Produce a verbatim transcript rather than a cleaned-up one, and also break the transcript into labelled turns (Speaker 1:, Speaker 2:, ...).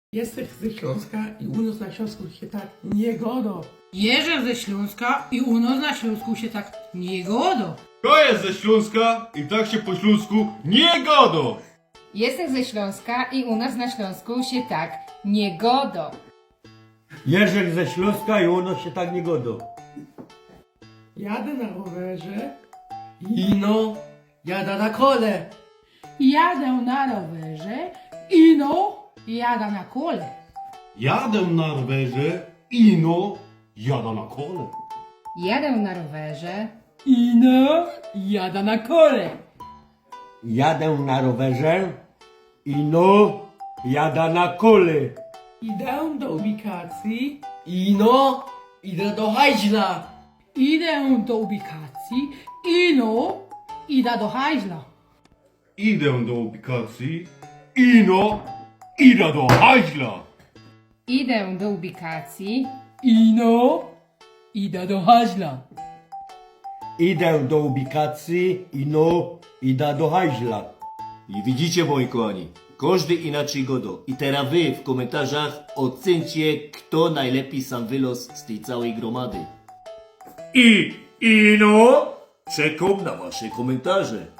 Speaker 1: Jestem ze Śląska i u nas na Śląsku się tak nie godo.
Speaker 2: Jeżdżę ze Śląska i u nas na Śląsku się tak nie godo.
Speaker 3: To jest ze Śląska i tak się po śląsku nie godo.
Speaker 4: Jestem ze Śląska i u nas na Śląsku się tak nie godo.
Speaker 5: Jerzek ze Śląska i u nas się tak nie godo.
Speaker 1: Jadę na rowerze i no, jada na kole.
Speaker 2: Jadę na rowerze i no, jada na kole.
Speaker 3: Jadę na rowerze, ino jada na kole.
Speaker 4: Jadę na rowerze.
Speaker 2: I no, jada na kole.
Speaker 5: Jadę na rowerze i no, jada na kole.
Speaker 1: Idę do ubikacji i no, idę do hajźla.
Speaker 2: Idę do ubikacji i no, idę do hajzla.
Speaker 3: Idę do ubikacji, ino idę do hajźla.
Speaker 4: Idę do ubikacji.
Speaker 2: I no, idę do hajzla.
Speaker 5: Idę do ubikacji i no, idę do hajźla.
Speaker 6: I widzicie, moi kochani, każdy inaczej godo. I teraz wy w komentarzach ocencie, kto najlepiej sam wylos z tej całej gromady. I, ino, czekam na wasze komentarze.